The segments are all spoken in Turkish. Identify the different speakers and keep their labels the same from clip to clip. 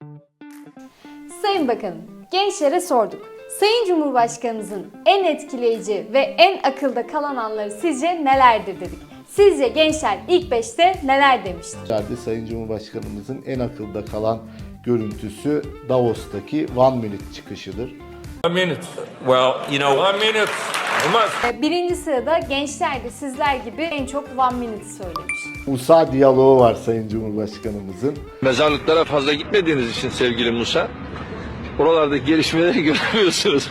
Speaker 1: Sayın Bakanım, gençlere sorduk. Sayın Cumhurbaşkanımızın en etkileyici ve en akılda kalan anları sizce nelerdir dedik. Sizce gençler ilk 5'te neler demiştir?
Speaker 2: Sayın Cumhurbaşkanımızın en akılda kalan görüntüsü Davos'taki One Minute çıkışıdır.
Speaker 3: 1 minute. Well, 1 minute. Olmaz.
Speaker 1: Birinci sırada gençler de sizler gibi en çok One Minute söylemiş.
Speaker 2: Musa diyaloğu var Sayın Cumhurbaşkanımızın.
Speaker 4: Mezarlıklara fazla gitmediğiniz için sevgili Musa, oralardaki gelişmeleri göremiyorsunuz.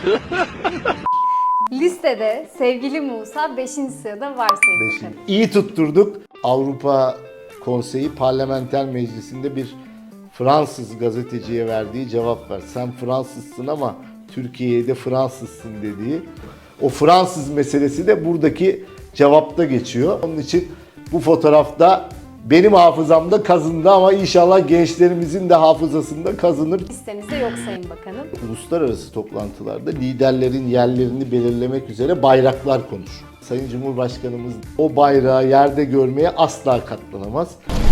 Speaker 1: Listede sevgili Musa 5. sırada var Sayın Bakanım.
Speaker 2: İyi tutturduk. Avrupa Konseyi Parlamenter Meclisi'nde bir Fransız gazeteciye verdiği cevap var. Sen Fransızsın ama Türkiye'de Fransızsın dediği. O Fransız meselesi de buradaki cevapta geçiyor. Onun için bu fotoğrafta benim hafızamda kazındı ama inşallah gençlerimizin de hafızasında kazınır.
Speaker 1: Listemizde yok Sayın Bakanım.
Speaker 2: Uluslararası toplantılarda liderlerin yerlerini belirlemek üzere bayraklar konur. Sayın Cumhurbaşkanımız o bayrağı yerde görmeye asla katlanamaz.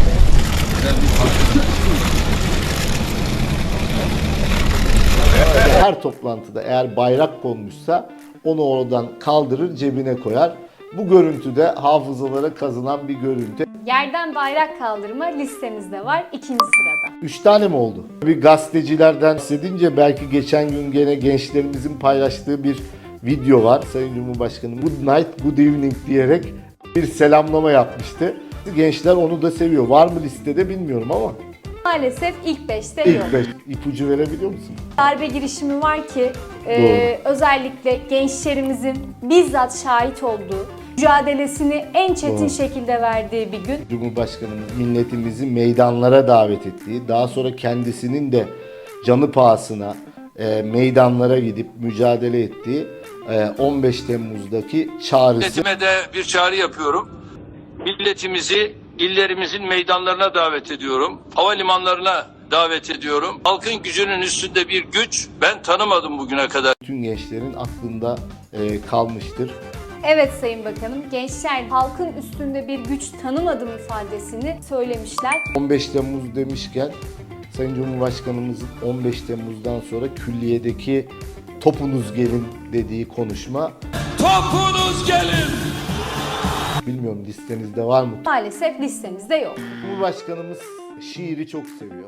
Speaker 2: Her toplantıda eğer bayrak konmuşsa onu oradan kaldırır, cebine koyar. Bu görüntü de hafızalara kazınan bir görüntü.
Speaker 1: Yerden bayrak kaldırma listemizde var 2. sırada.
Speaker 2: 3 tane mi oldu? Bir gazetecilerden bahsedince belki geçen gün gene gençlerimizin paylaştığı bir video var. Sayın Cumhurbaşkanım good night, good evening diyerek bir selamlama yapmıştı. Gençler onu da seviyor. Var mı listede bilmiyorum ama.
Speaker 1: Maalesef ilk 5'te yok.
Speaker 2: İlk 5 ipucu verebiliyor musun?
Speaker 1: Darbe girişimi var ki özellikle gençlerimizin bizzat şahit olduğu, mücadelesini en çetin şekilde verdiği bir gün.
Speaker 2: Cumhurbaşkanımız milletimizi meydanlara davet ettiği, daha sonra kendisinin de canı pahasına meydanlara gidip mücadele ettiği 15 Temmuz'daki çağrısı.
Speaker 4: Milletime de bir çağrı yapıyorum. Milletimizi illerimizin meydanlarına davet ediyorum. Havalimanlarına davet ediyorum. Halkın gücünün üstünde bir güç ben tanımadım bugüne kadar.
Speaker 2: Bütün gençlerin aklında kalmıştır.
Speaker 1: Evet Sayın Bakanım, gençler halkın üstünde bir güç tanımadım ifadesini söylemişler.
Speaker 2: 15 Temmuz demişken Sayın Cumhurbaşkanımızın 15 Temmuz'dan sonra külliyedeki topunuz gelin dediği konuşma.
Speaker 3: Topunuz gelin.
Speaker 2: Bilmiyorum listenizde var mı?
Speaker 1: Maalesef listemizde yok.
Speaker 2: Cumhurbaşkanımız şiiri çok seviyor.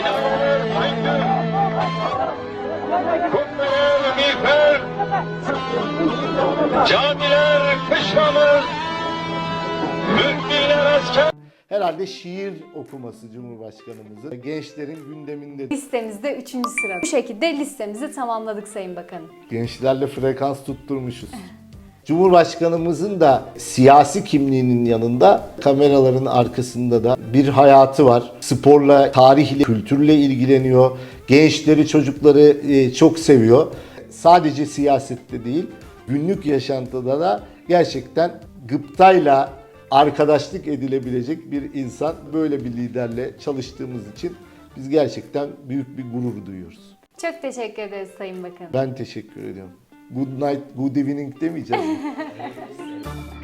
Speaker 4: Camiler kışlamız, müminler asker.
Speaker 2: Herhalde şiir okuması Cumhurbaşkanımızın gençlerin gündeminde.
Speaker 1: Listemizde 3. sırada. Bu şekilde listemizi tamamladık Sayın Bakanım.
Speaker 2: Gençlerle frekans tutturmuşuz. Cumhurbaşkanımızın da siyasi kimliğinin yanında kameraların arkasında da bir hayatı var. Sporla, tarihle, kültürle ilgileniyor. Gençleri, çocukları çok seviyor. Sadece siyasette değil, günlük yaşantıda da gerçekten gıptayla arkadaşlık edilebilecek bir insan. Böyle bir liderle çalıştığımız için biz gerçekten büyük bir gurur duyuyoruz.
Speaker 1: Çok teşekkür ederiz Sayın Bakanım.
Speaker 2: Ben teşekkür ediyorum. Good night, good evening demeyeceğim.